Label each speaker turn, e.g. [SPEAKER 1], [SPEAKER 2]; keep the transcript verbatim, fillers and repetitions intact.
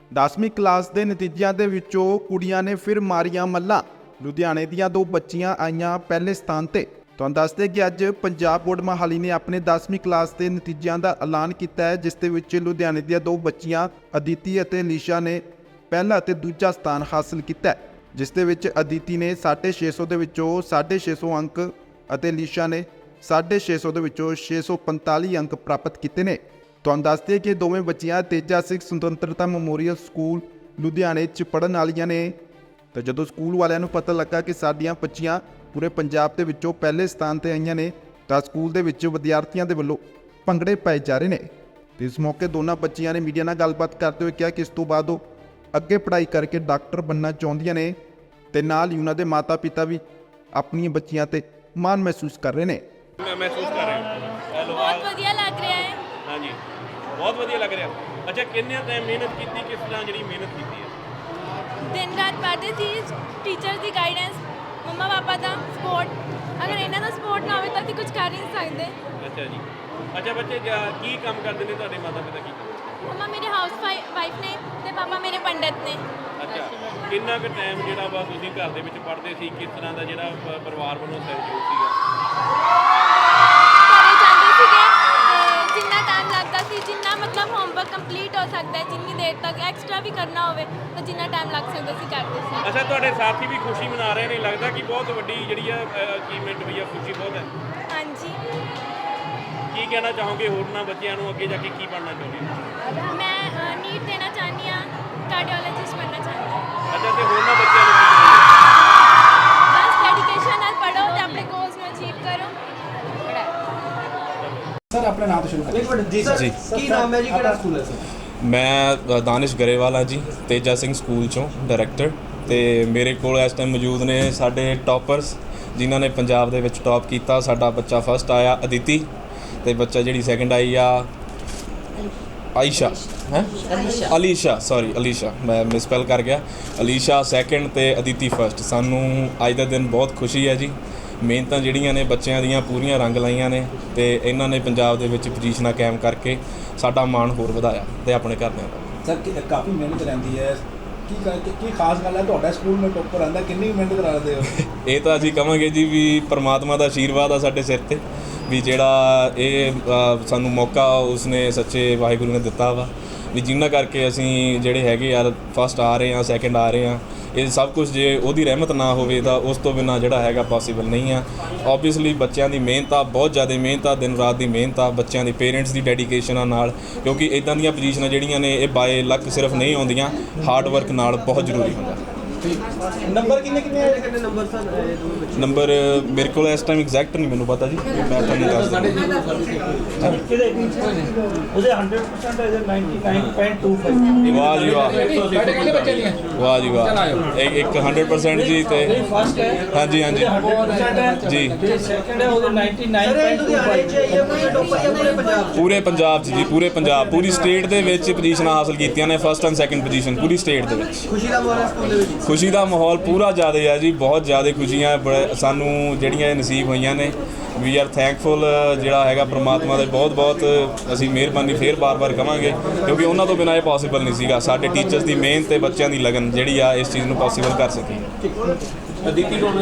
[SPEAKER 1] ਦਸਵੀਂ ਕਲਾਸ ਦੇ ਨਤੀਜਿਆਂ ਦੇ ਵਿੱਚੋਂ ਕੁੜੀਆਂ ਨੇ ਫਿਰ ਮਾਰੀਆਂ ਮੱਲਾਂ। ਲੁਧਿਆਣੇ ਦੀਆਂ ਦੋ ਬੱਚੀਆਂ ਆਈਆਂ ਪਹਿਲੇ ਸਥਾਨ ਤੇ। ਤੁਹਾਨੂੰ ਦੱਸਦੇ ਕਿ ਅੱਜ ਪੰਜਾਬ ਬੋਰਡ ਮੋਹਾਲੀ ਨੇ ਆਪਣੇ ਦਸਵੀਂ ਕਲਾਸ ਦੇ ਨਤੀਜਿਆਂ ਦਾ ਐਲਾਨ ਕੀਤਾ ਹੈ, ਜਿਸ ਦੇ ਵਿੱਚ ਲੁਧਿਆਣੇ ਦੀਆਂ ਦੋ ਬੱਚੀਆਂ ਅਦਿਤੀ ਅਤੇ ਅਲੀਸ਼ਾ ਨੇ ਪਹਿਲਾ ਅਤੇ ਦੂਜਾ ਸਥਾਨ ਹਾਸਲ ਕੀਤਾ ਹੈ, ਜਿਸ ਦੇ ਵਿੱਚ ਅਦਿਤੀ ਨੇ ਸਾਢੇ ਛੇ ਸੌ ਦੇ ਵਿੱਚੋਂ ਸਾਢੇ ਛੇ ਸੌ ਅੰਕ ਅਤੇ ਅਲੀਸ਼ਾ ਨੇ ਸਾਢੇ ਛੇ ਸੌ ਦੇ ਵਿੱਚੋਂ ਛੇ ਸੌ ਪੰਤਾਲੀ ਅੰਕ ਪ੍ਰਾਪਤ ਕੀਤੇ ਨੇ। ਤੁਹਾਨੂੰ ਦੱਸਦੇ ਕਿ ਦੋਵੇਂ ਬੱਚੀਆਂ ਤੇਜਾ ਸਿੰਘ ਸੁਤੰਤਰਤਾ ਮੈਮੋਰੀਅਲ ਸਕੂਲ ਲੁਧਿਆਣੇ 'ਚ ਪੜ੍ਹਨ ਵਾਲੀਆਂ ਨੇ। ਤਾਂ ਜਦੋਂ ਸਕੂਲ ਵਾਲਿਆਂ ਨੂੰ ਪਤਾ ਲੱਗਾ ਕਿ ਸਾਡੀਆਂ ਬੱਚੀਆਂ ਪੂਰੇ ਪੰਜਾਬ ਦੇ ਵਿੱਚੋਂ ਪਹਿਲੇ ਸਥਾਨ ਤੇ ਆਈਆਂ ਨੇ, ਤਾਂ ਸਕੂਲ ਦੇ ਵਿੱਚ ਵਿਦਿਆਰਥੀਆਂ ਦੇ ਵੱਲੋਂ ਭੰਗੜੇ ਪਾਏ ਜਾ ਰਹੇ ਨੇ। ਤੇ ਇਸ ਮੌਕੇ ਦੋਨਾਂ ਬੱਚੀਆਂ ਨੇ ਮੀਡੀਆ ਨਾਲ ਗੱਲਬਾਤ ਕਰਦੇ ਹੋਏ ਕਿਹਾ ਕਿ ਇਸ ਤੋਂ ਬਾਅਦ ਉਹ ਅੱਗੇ ਪੜ੍ਹਾਈ ਕਰਕੇ ਡਾਕਟਰ ਬਣਨਾ ਚਾਹੁੰਦੀਆਂ ਨੇ ਤੇ ਨਾਲ ਹੀ ਉਹਨਾਂ ਦੇ ਮਾਤਾ-ਪਿਤਾ ਵੀ ਆਪਣੀਆਂ ਬੱਚੀਆਂ ਤੇ ਮਾਣ ਮਹਿਸੂਸ ਕਰ ਰਹੇ ਨੇ।
[SPEAKER 2] ਮੈਂ ਮਹਿਸੂਸ ਕਰ ਰਿਹਾ ਹੈਲੋ
[SPEAKER 3] ਬਹੁਤ ਵਧੀਆ ਲੱਗ ਰਿਹਾ ਹੈ।
[SPEAKER 2] ਹਾਂਜੀ ਬਹੁਤ ਵਧੀਆ ਲੱਗ ਰਿਹਾ। ਅੱਛਾ ਕਿੰਨੇ ਟਾਈਮ ਮਿਹਨਤ ਕੀਤੀ, ਕਿਸ ਤਰ੍ਹਾਂ ਜਿਹੜੀ ਮਿਹਨਤ ਕੀਤੀ ਹੈ?
[SPEAKER 3] ਦਿਨ ਰਾਤ ਪੜ੍ਹਦੇ ਸੀ, ਟੀਚਰ ਦੀ ਗਾਈਡੈਂਸ, ਮੰਮਾ ਪਾਪਾ ਦਾ ਸਪੋਰਟ। ਅਗਰ ਇਹਨਾਂ ਦਾ ਸਪੋਰਟ ਨਾ ਹੋਵੇ ਤਾਂ ਅਸੀਂ ਕੁਝ ਕਰ ਹੀ ਨਹੀਂ ਸਕਦੇ।
[SPEAKER 2] ਅੱਛਾ ਜੀ। ਅੱਛਾ ਬੱਚੇ ਕਿਆ- ਕੀ ਕੰਮ ਕਰਦੇ ਨੇ ਤੁਹਾਡੇ ਮਾਤਾ ਪਿਤਾ? ਕੀ ਕੰਮ?
[SPEAKER 3] ਮੰਮਾ ਮੇਰੇ ਹਾਊਸ ਵਾਈਫ ਨੇ ਤੇ ਪਾਪਾ ਮੇਰੇ ਪੰਡਤ ਨੇ।
[SPEAKER 2] ਅੱਛਾ ਕਿੰਨਾ ਕੁ ਟਾਈਮ ਜਿਹੜਾ ਵਾ ਤੁਸੀਂ ਘਰ ਦੇ ਵਿੱਚ ਪੜ੍ਹਦੇ ਸੀ? ਕਿਸ ਤਰ੍ਹਾਂ ਦਾ ਜਿਹੜਾ ਪ- ਪਰਿਵਾਰ ਵੱਲੋਂ ਸਹਿਯੋਗ ਸੀਗਾ?
[SPEAKER 3] ਘਰੇ ਜਾਂਦੇ ਸੀਗੇ ਤੇ ਜਿੰਨਾ ਟਾਈਮ ਲੱਗਦਾ ਸੀ, ਜਿੰਨਾ ਮਤਲਬ ਹੋਮਵਰਕ ਕੰਪਲੀਟ ਹੋ ਸਕਦਾ ਹੈ, ਜਿੰਨੀ ਦੇਰ ਤੱਕ ਐਕਸਟਰਾ ਵੀ ਕਰਨਾ ਹੋਵੇ ਤਾਂ ਜਿੰਨਾ ਟਾਈਮ ਲੱਗ ਸਕਦਾ ਸੀ ਕਰਦੇ ਸੀ।
[SPEAKER 2] ਅੱਛਾ ਤੁਹਾਡੇ ਸਾਥੀ ਵੀ ਖੁਸ਼ੀ ਮਨਾ ਰਹੇ ਨੇ, ਲੱਗਦਾ ਕਿ ਬਹੁਤ ਵੱਡੀ ਜਿਹੜੀ ਆ ਅਚੀਵਮੈਂਟ ਹੋਈ ਆ, ਖੁਸ਼ੀ ਬਹੁਤ ਹੈ।
[SPEAKER 3] ਹਾਂਜੀ
[SPEAKER 2] ਕੀ ਕਹਿਣਾ ਚਾਹੋਗੇ ਹੋਰਨਾਂ ਬੱਚਿਆਂ ਨੂੰ, ਅੱਗੇ ਜਾ ਕੇ ਕੀ ਬਣਨਾ ਚਾਹੁੰਦੇ ਹੋ?
[SPEAKER 3] ਮੈਂ ਨੀਟ ਦੇਣਾ ਚਾਹੁੰਦੀ ਹਾਂ, ਕਾਰਡੀਓਲੋਜਿਸਟ ਬਣਨਾ ਚਾਹੁੰਦੀ ਹਾਂ।
[SPEAKER 2] ਅੱਛਾ ਤੇ ਹੋਰਨਾਂ ਬੱਚਿਆਂ ਨੂੰ ਕੀ ਕਹੋਗੇ?
[SPEAKER 3] ਬਸ ਡੈਡੀਕੇਸ਼ਨ ਨਾਲ ਪੜ੍ਹੋ ਤੇ ਆਪਣੇ ਗੋਲਸ ਨੂੰ ਅਚੀਵ ਕਰੋ।
[SPEAKER 4] सर अपने नाम तो शुरू करें।
[SPEAKER 5] एक मिनट जी सर
[SPEAKER 6] जी।
[SPEAKER 5] की नाम है जी किहड़ा स्कूल है सर?
[SPEAKER 6] ਮੈਂ ਅ, ਦਾਨਿਸ਼ ਗਰੇਵਾਲ ਹਾਂ ਜੀ, ਤੇਜਾ ਸਿੰਘ ਸਕੂਲ ਚੋਂ ਡਾਇਰੈਕਟਰ। ਤੇ ਮੇਰੇ ਕੋਲ ਇਸ ਟਾਈਮ ਮੌਜੂਦ ਨੇ ਸਾਡੇ ਟੌਪਰਸ ਜਿਨ੍ਹਾਂ ਨੇ ਪੰਜਾਬ ਦੇ ਵਿੱਚ ਟੌਪ ਕੀਤਾ। ਸਾਡਾ ਬੱਚਾ ਫਸਟ ਆਇਆ ਅਦਿਤੀ, ਤੇ ਬੱਚਾ ਜਿਹੜੀ ਸੈਕਿੰਡ ਆਈ ਆ ਆਇਸ਼ਾ ਹੈ ਅਲੀਸ਼ਾ ਸੌਰੀ ਅਲੀਸ਼ਾ ਮੈਂ ਮਿਸਪੈਲ ਕਰ ਗਿਆ। ਅਲੀਸ਼ਾ ਸੈਕਿੰਡ ਤੇ ਅਦਿਤੀ ਫਸਟ। ਸਾਨੂੰ ਅੱਜ ਦਾ ਦਿਨ ਬਹੁਤ ਖੁਸ਼ੀ ਹੈ ਜੀ। ਮਿਹਨਤਾਂ ਜਿਹੜੀਆਂ ਨੇ ਬੱਚਿਆਂ ਦੀਆਂ ਪੂਰੀਆਂ ਰੰਗ ਲਾਈਆਂ ਨੇ ਤੇ ਇਹਨਾਂ ਨੇ ਪੰਜਾਬ ਦੇ ਵਿੱਚ ਪੋਜੀਸ਼ਨਾਂ ਕਾਇਮ ਕਰਕੇ ਸਾਡਾ ਮਾਣ ਹੋਰ ਵਧਾਇਆ ਤੇ ਆਪਣੇ ਘਰਦਿਆਂ ਦਾ।
[SPEAKER 4] सर कि- काफ़ी मेहनत रहती है की की की खास गल है ਤੁਹਾਡਾ ਸਕੂਲ में टॉपर आंदा कितनी मेहनत कराते हो?
[SPEAKER 6] ਇਹ ਤਾਂ ਅਸੀਂ ਕਹਾਂਗੇ ਜੀ ਵੀ ਪਰਮਾਤਮਾ ਦਾ ਆਸ਼ੀਰਵਾਦ ਆ ਸਾਡੇ ਸਿਰ ਤੇ, ਵੀ ਜਿਹੜਾ ਇਹ ਅ, ਸਾਨੂੰ ਮੌਕਾ ਉਸਨੇ ਸੱਚੇ ਵਾਹਿਗੁਰੂ ਨੇ ਦਿੱਤਾ ਵਾ, ਵੀ ਜਿਨ੍ਹਾਂ ਕਰਕੇ ਅਸੀਂ ਜਿਹੜੇ ਹੈਗੇ ਯਾਰ ਫਸਟ ਆ ਰਹੇ ਹਾਂ, ਸੈਕਿੰਡ ਆ ਰਹੇ ਹਾਂ। ਇਹ ਸਭ ਕੁਝ ਜੇ ਉਹਦੀ ਰਹਿਮਤ ਨਾ ਹੋਵੇ ਤਾਂ ਉਸ ਤੋਂ ਬਿਨਾਂ ਜਿਹੜਾ ਹੈਗਾ ਪੋਸੀਬਲ ਨਹੀਂ ਆ। ਓਬਵੀਅਸਲੀ ਬੱਚਿਆਂ ਦੀ ਮਿਹਨਤ ਆ, ਬਹੁਤ ਜ਼ਿਆਦਾ ਮਿਹਨਤ ਆ, ਦਿਨ ਰਾਤ ਦੀ ਮਿਹਨਤ ਆ, ਬੱਚਿਆਂ ਦੀ ਪੇਰੈਂਟਸ ਦੀ ਡੈਡੀਕੇਸ਼ਨ ਆ ਨਾਲ, ਕਿਉਂਕਿ ਇੱਦਾਂ ਦੀਆਂ ਪੋਜੀਸ਼ਨਾਂ ਜਿਹੜੀਆਂ ਨੇ ਇਹ ਬਾਏ ਲੱਕ ਸਿਰਫ ਨਹੀਂ ਆਉਂਦੀਆਂ, ਹਾਰਡ ਵਰਕ ਨਾਲ ਬਹੁਤ ਜ਼ਰੂਰੀ ਹੁੰਦਾ।
[SPEAKER 4] नंबर कितने कितने है?
[SPEAKER 5] कितने नंबर सर ये दोनों बच्चे?
[SPEAKER 6] ਨੰਬਰ ਮੇਰੇ ਕੋਲ ਇਸ ਟਾਈਮ ਐਗਜ਼ੈਕਟ ਨਹੀਂ ਮੈਨੂੰ ਪਤਾ ਜੀ, ਮੈਂ ਤੁਹਾਨੂੰ ਦੱਸ ਦਿੰਦਾ।
[SPEAKER 7] ਉਹਦੇ हंड्रेड परसेंट ਹੈ ninety nine point two five.
[SPEAKER 6] ਵਾਹ ਜੀ ਵਾਹ, ਵਾਹ ਜੀ ਵਾਹ, ਇੱਕ ਇੱਕ ਹੰਡਰਡ ਪਰਸੈਂਟ ਜੀ। ਤੇ
[SPEAKER 7] फर्स्ट है
[SPEAKER 6] ਹਾਂਜੀ ਹਾਂਜੀ
[SPEAKER 7] हंड्रेड परसेंट है
[SPEAKER 6] ਜੀ।
[SPEAKER 7] ਤੇ ਸੈਕੰਡ ਹੈ ਉਹਦੇ नाइंटी नाइन
[SPEAKER 5] सर ये
[SPEAKER 7] पॉइंट टू
[SPEAKER 5] लुधियाने
[SPEAKER 7] फाइव।
[SPEAKER 5] च ये पूरे टॉपर या पूरे पंजाब च?
[SPEAKER 6] ਪੂਰੇ ਪੰਜਾਬ 'ਚ ਜੀ, ਪੂਰੇ ਪੰਜਾਬ, ਪੂਰੀ ਸਟੇਟ ਦੇ ਵਿੱਚ ਪੋਜੀਸ਼ਨਾਂ ਹਾਸਲ ਕੀਤੀਆਂ ਨੇ, ਫਸਟ ਐਂਡ ਸੈਕਿੰਡ ਪੋਜੀਸ਼ਨ ਪੂਰੀ ਸਟੇਟ ਦੇ ਵਿੱਚ।
[SPEAKER 5] खुशी का माहौल है स्कूल दे विच?
[SPEAKER 6] ਖੁਸ਼ੀ ਦਾ ਮਾਹੌਲ ਪੂਰਾ ਜ਼ਿਆਦਾ ਹੈ ਜੀ, ਬਹੁਤ ਜ਼ਿਆਦਾ ਖੁਸ਼ੀਆਂ ਬੜੇ ਸਾਨੂੰ ਜਿਹੜੀਆਂ ਇਹ ਨਸੀਬ ਹੋਈਆਂ ਨੇ। ਵੀ ਆਰ ਥੈਂਕਫੁਲ ਜਿਹੜਾ ਹੈਗਾ ਪ੍ਰਮਾਤਮਾ ਦੇ, ਬਹੁਤ ਬਹੁਤ ਅਸੀਂ ਮਿਹਰਬਾਨੀ ਫੇਰ ਬਾਰ-ਬਾਰ ਕਵਾਂਗੇ, ਕਿਉਂਕਿ ਉਹਨਾਂ ਤੋਂ ਬਿਨਾਂ ਇਹ ਪੋਸੀਬਲ ਨਹੀਂ ਸੀਗਾ। ਸਾਡੇ ਟੀਚਰਸ ਦੀ ਮਿਹਨਤ ਤੇ ਬੱਚਿਆਂ ਦੀ ਲਗਨ ਜਿਹੜੀ ਆ ਇਸ ਚੀਜ਼ ਨੂੰ ਪੋਸੀਬਲ ਕਰ ਸਕੀ।
[SPEAKER 4] अदिति को